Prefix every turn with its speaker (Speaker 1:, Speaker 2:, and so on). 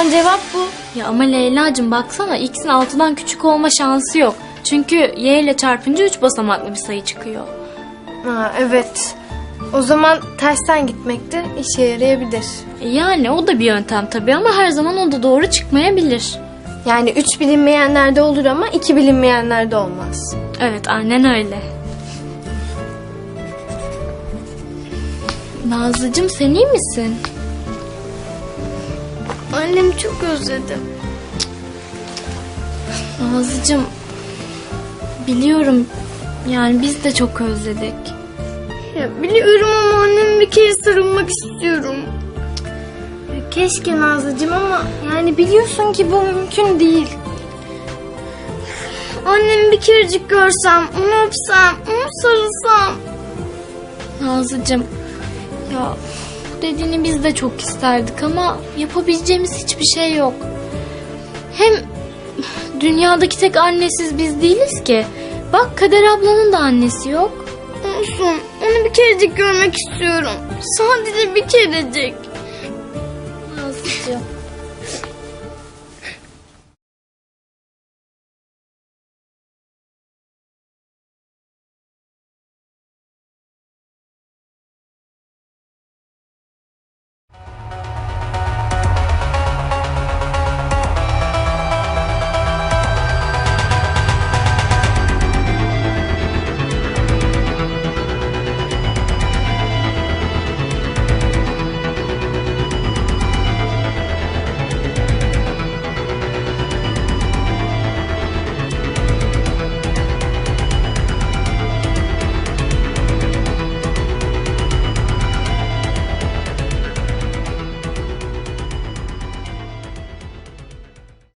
Speaker 1: zaman cevap bu.
Speaker 2: Ya ama Leyla'cığım baksana, x'in 6'dan küçük olma şansı yok. Çünkü y ile çarpınca 3 basamaklı bir sayı çıkıyor.
Speaker 1: Ha, evet. O zaman tersten gitmek de işe yarayabilir.
Speaker 2: Yani o da bir yöntem tabii ama her zaman o da doğru çıkmayabilir.
Speaker 1: Yani 3 bilinmeyenlerde olur ama 2 bilinmeyenlerde olmaz.
Speaker 2: Evet, aynen öyle. Nazlıcığım sen iyi misin?
Speaker 1: Annemi çok özledim.
Speaker 2: Nazlıcığım, biliyorum yani biz de çok özledik.
Speaker 1: Ya biliyorum ama anneme bir kere sarılmak istiyorum. Keşke Nazlıcığım ama yani biliyorsun ki bu mümkün değil. Annemi bir kerecik görsem, onu öpsem, onu sarılsam.
Speaker 2: Nazlıcığım, ya bu dediğini biz de çok isterdik ama yapabileceğimiz hiçbir şey yok. Hem dünyadaki tek annesiz biz değiliz ki. Bak Kader ablanın da annesi yok.
Speaker 1: Olsun, onu bir kerecik görmek istiyorum. Sadece bir kerecik.
Speaker 2: Nazlıcığım.